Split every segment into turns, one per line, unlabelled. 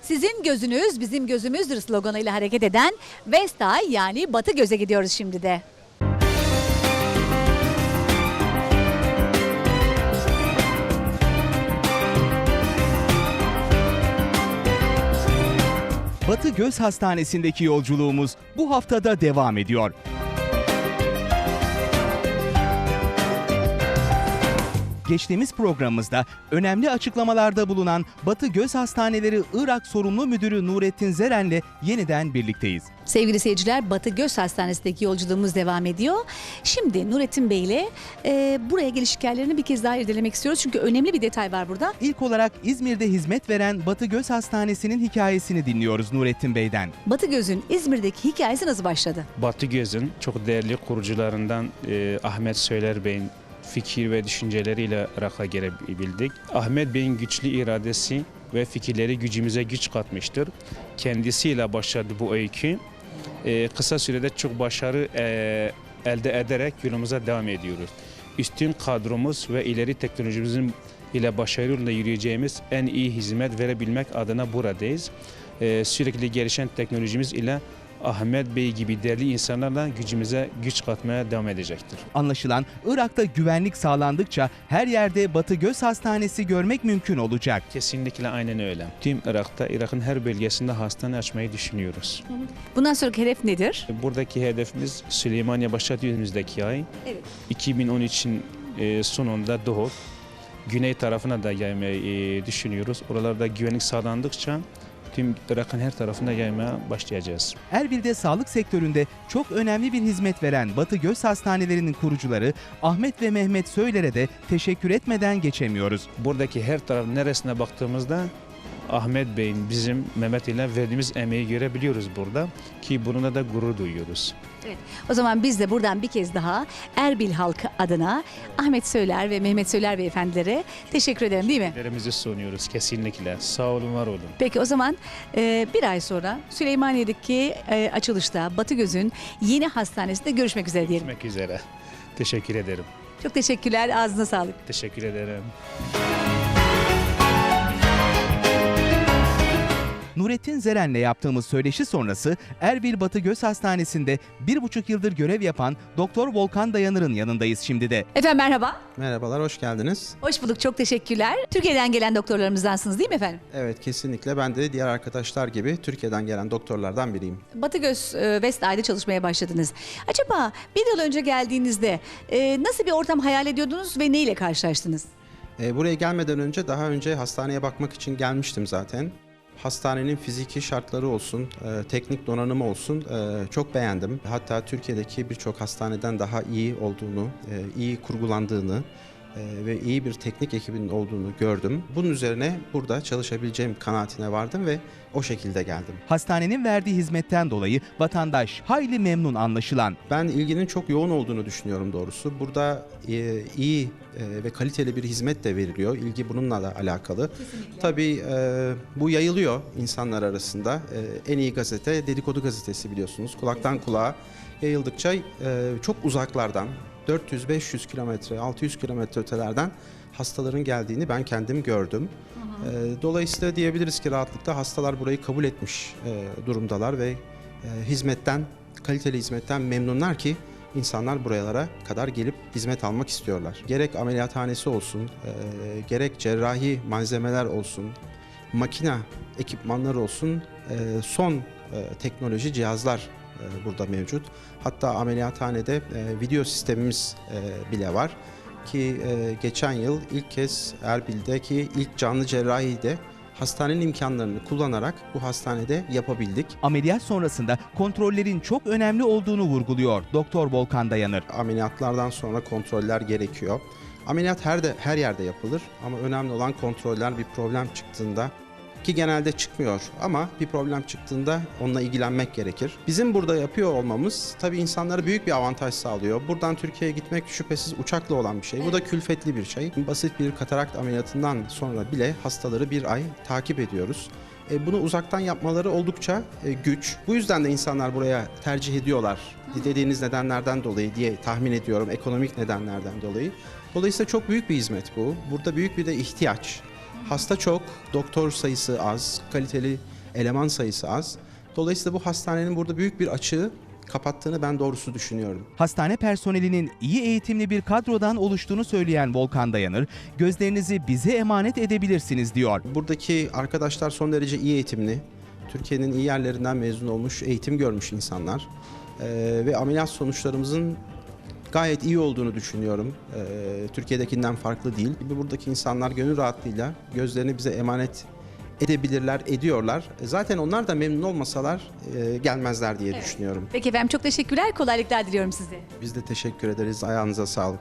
Sizin gözünüz bizim gözümüzdür sloganıyla hareket eden West Eye yani Batı Göz'e gidiyoruz şimdi de.
Batı Göz Hastanesi'ndeki yolculuğumuz bu haftada devam ediyor. Geçtiğimiz programımızda önemli açıklamalarda bulunan Batı Göz Hastaneleri Irak Sorumlu Müdürü Nurettin Zeren'le yeniden birlikteyiz.
Sevgili seyirciler, Batı Göz Hastanesi'ndeki yolculuğumuz devam ediyor. Şimdi Nurettin Bey ile buraya geliş hikayelerini bir kez daha irdelemek istiyoruz. Çünkü önemli bir detay var burada.
İlk olarak İzmir'de hizmet veren Batı Göz Hastanesi'nin hikayesini dinliyoruz Nurettin Bey'den.
Batı Göz'ün İzmir'deki hikayesi nasıl başladı?
Batı Göz'ün çok değerli kurucularından Ahmet Söyler Bey'in fikir ve düşünceleriyle Irak'a gelebildik. Ahmet Bey'in güçlü iradesi ve fikirleri gücümüze güç katmıştır. Kendisiyle başladı bu öykü. Kısa sürede çok başarı elde ederek yolumuza devam ediyoruz. Üstün kadromuz ve ileri teknolojimizin ile başarı yolunda yürüyeceğimiz en iyi hizmet verebilmek adına buradayız. Sürekli gelişen teknolojimiz ile Ahmet Bey gibi değerli insanlarla gücümüze güç katmaya devam edecektir.
Anlaşılan Irak'ta güvenlik sağlandıkça her yerde Batı Göz Hastanesi görmek mümkün olacak.
Kesinlikle aynen öyle. Tüm Irak'ta, Irak'ın her bölgesinde hastane açmayı düşünüyoruz.
Bundan sonraki hedef nedir?
Buradaki hedefimiz Süleymaniye başladı önümüzdeki ay.
Evet.
2013'in sonunda Doğu, güney tarafına da yaymayı düşünüyoruz. Oralarda güvenlik sağlandıkça tüm Irak'ın her tarafına yaymaya başlayacağız.
Erbil'de sağlık sektöründe çok önemli bir hizmet veren Batı Göz Hastanelerinin kurucuları Ahmet ve Mehmet Söyler'e de teşekkür etmeden geçemiyoruz.
Buradaki her taraf neresine baktığımızda Ahmet Bey'in bizim Mehmet ile verdiğimiz emeği görebiliyoruz burada ki bununla da gurur duyuyoruz.
Evet. O zaman biz de buradan bir kez daha Erbil halkı adına Ahmet Söyler ve Mehmet Söyler beyefendilere teşekkür ederim, değil mi?
Teşekkürlerimizi sunuyoruz kesinlikle. Sağ olun, var olun.
Peki o zaman bir ay sonra Süleymaniye'deki açılışta Batı Göz'ün yeni hastanesinde görüşmek üzere diyelim.
Görüşmek üzere. Teşekkür ederim.
Çok teşekkürler, ağzına sağlık.
Teşekkür ederim.
Nurettin Zeren'le yaptığımız söyleşi sonrası Erbil Batı Göz Hastanesi'nde 1,5 yıldır görev yapan Doktor Volkan Dayanır'ın yanındayız şimdi de.
Efendim merhaba.
Merhabalar, hoş geldiniz.
Hoş bulduk, çok teşekkürler. Türkiye'den gelen doktorlarımızdansınız değil mi efendim?
Evet, kesinlikle. Ben de diğer arkadaşlar gibi Türkiye'den gelen doktorlardan biriyim.
Batı Göz West Eye'de çalışmaya başladınız. Acaba bir yıl önce geldiğinizde nasıl bir ortam hayal ediyordunuz ve neyle karşılaştınız?
Buraya gelmeden önce daha önce hastaneye bakmak için gelmiştim zaten. Hastanenin fiziki şartları olsun, teknik donanımı olsun çok beğendim. Hatta Türkiye'deki birçok hastaneden daha iyi olduğunu, iyi kurgulandığını ve iyi bir teknik ekibinin olduğunu gördüm. Bunun üzerine burada çalışabileceğim kanaatine vardım ve o şekilde geldim.
Hastanenin verdiği hizmetten dolayı vatandaş hayli memnun anlaşılan.
Ben ilginin çok yoğun olduğunu düşünüyorum doğrusu. Burada iyi ve kaliteli bir hizmet de veriliyor. İlgi bununla da alakalı. Kesinlikle. Tabii bu yayılıyor insanlar arasında. En iyi gazete Dedikodu Gazetesi biliyorsunuz. Kulaktan kulağa yayıldıkça çok uzaklardan 400-500 kilometre, 600 kilometre ötelerden hastaların geldiğini ben kendim gördüm. Dolayısıyla diyebiliriz ki rahatlıkla hastalar burayı kabul etmiş durumdalar ve hizmetten, kaliteli hizmetten memnunlar ki insanlar buralara kadar gelip hizmet almak istiyorlar. Gerek ameliyathanesi olsun, gerek cerrahi malzemeler olsun, makine ekipmanları olsun, son teknoloji cihazlar burada mevcut. Hatta ameliyathanede video sistemimiz bile var ki geçen yıl ilk kez Erbil'deki ilk canlı cerrahiyi de hastanenin imkanlarını kullanarak bu hastanede yapabildik.
Ameliyat sonrasında kontrollerin çok önemli olduğunu vurguluyor Doktor Volkan Dayanır.
Ameliyatlardan sonra kontroller gerekiyor. Ameliyat her yerde yapılır ama önemli olan kontroller bir problem çıktığında, ki genelde çıkmıyor ama bir problem çıktığında onunla ilgilenmek gerekir. Bizim burada yapıyor olmamız tabii insanlara büyük bir avantaj sağlıyor. Buradan Türkiye'ye gitmek şüphesiz uçakla olan bir şey. Bu da külfetli bir şey. Basit bir katarakt ameliyatından sonra bile hastaları bir ay takip ediyoruz. Bunu uzaktan yapmaları oldukça güç. Bu yüzden de insanlar buraya tercih ediyorlar. Dediğiniz nedenlerden dolayı diye tahmin ediyorum. Ekonomik nedenlerden dolayı. Dolayısıyla çok büyük bir hizmet bu. Burada büyük bir de ihtiyaç. Hasta çok, doktor sayısı az, kaliteli eleman sayısı az. Dolayısıyla bu hastanenin burada büyük bir açığı kapattığını ben doğrusu düşünüyorum.
Hastane personelinin iyi eğitimli bir kadrodan oluştuğunu söyleyen Volkan Dayanır, gözlerinizi bize emanet edebilirsiniz diyor.
Buradaki arkadaşlar son derece iyi eğitimli, Türkiye'nin iyi yerlerinden mezun olmuş, eğitim görmüş insanlar. Ve ameliyat sonuçlarımızın gayet iyi olduğunu düşünüyorum. Türkiye'dekinden farklı değil. Buradaki insanlar gönül rahatlığıyla gözlerini bize emanet edebilirler, ediyorlar. Zaten onlar da memnun olmasalar gelmezler diye düşünüyorum.
Peki efendim, çok teşekkürler. Kolaylıklar diliyorum size.
Biz de teşekkür ederiz. Ayağınıza sağlık.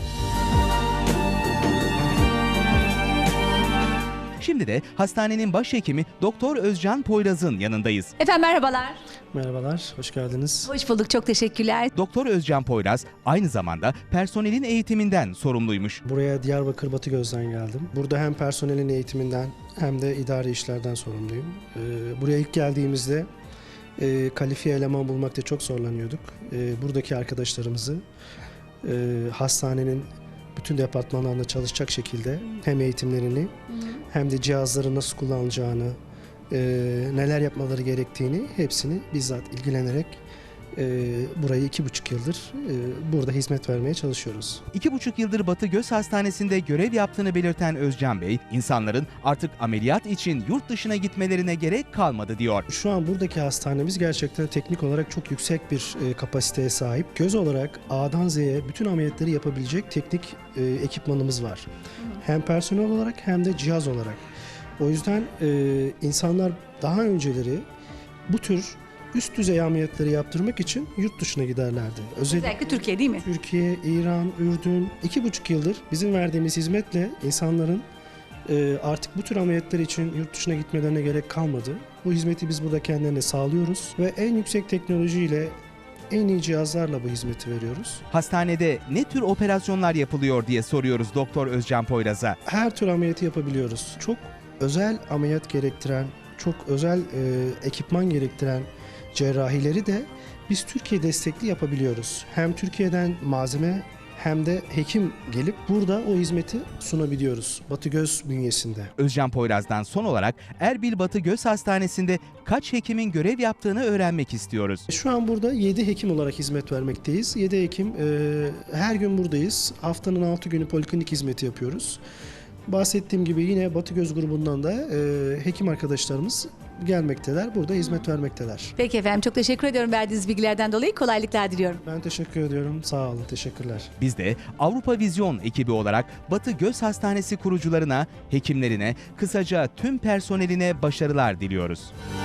Şimdi de hastanenin başhekimi Doktor Özcan Poyraz'ın yanındayız.
Efendim merhabalar.
Merhabalar, hoş geldiniz.
Hoş bulduk, çok teşekkürler.
Doktor Özcan Poyraz aynı zamanda personelin eğitiminden sorumluymuş.
Buraya Diyarbakır Batıgöz'den geldim. Burada hem personelin eğitiminden hem de idari işlerden sorumluyum. Buraya ilk geldiğimizde kalifiye eleman bulmakta çok zorlanıyorduk. Buradaki arkadaşlarımızı hastanenin bütün departmanlarında çalışacak şekilde hem eğitimlerini hem de cihazları nasıl kullanılacağını, neler yapmaları gerektiğini hepsini bizzat ilgilenerek burayı 2,5 yıldır burada hizmet vermeye çalışıyoruz.
2,5 yıldır Batı Göz Hastanesi'nde görev yaptığını belirten Özcan Bey, insanların artık ameliyat için yurt dışına gitmelerine gerek kalmadı diyor.
Şu an buradaki hastanemiz gerçekten teknik olarak çok yüksek bir kapasiteye sahip. Göz olarak A'dan Z'ye bütün ameliyatları yapabilecek teknik ekipmanımız var. Hem personel olarak hem de cihaz olarak. O yüzden insanlar daha önceleri bu tür üst düzey ameliyatları yaptırmak için yurt dışına giderlerdi.
Özellikle Türkiye değil mi?
Türkiye, İran, Ürdün 2,5 yıldır bizim verdiğimiz hizmetle insanların artık bu tür ameliyatlar için yurt dışına gitmelerine gerek kalmadı. Bu hizmeti biz burada kendilerine sağlıyoruz ve en yüksek teknolojiyle, en iyi cihazlarla bu hizmeti veriyoruz.
Hastanede ne tür operasyonlar yapılıyor diye soruyoruz Doktor Özcan Poyraz'a.
Her tür ameliyatı yapabiliyoruz. Çok özel ameliyat gerektiren, çok özel ekipman gerektiren cerrahileri de biz Türkiye destekli yapabiliyoruz. Hem Türkiye'den malzeme hem de hekim gelip burada o hizmeti sunabiliyoruz Batı Göz bünyesinde.
Özcan Poyraz'dan son olarak Erbil Batı Göz Hastanesi'nde kaç hekimin görev yaptığını öğrenmek istiyoruz.
Şu an burada 7 hekim olarak hizmet vermekteyiz. 7 hekim her gün buradayız. Haftanın 6 günü poliklinik hizmeti yapıyoruz. Bahsettiğim gibi yine Batı Göz grubundan da hekim arkadaşlarımız gelmekteler. Burada hizmet vermekteler.
Peki efendim, çok teşekkür ediyorum verdiğiniz bilgilerden dolayı. Kolaylıklar diliyorum.
Ben teşekkür ediyorum. Sağ olun. Teşekkürler.
Biz de Avrupa Vizyon ekibi olarak Batı Göz Hastanesi kurucularına, hekimlerine, kısaca tüm personeline başarılar diliyoruz.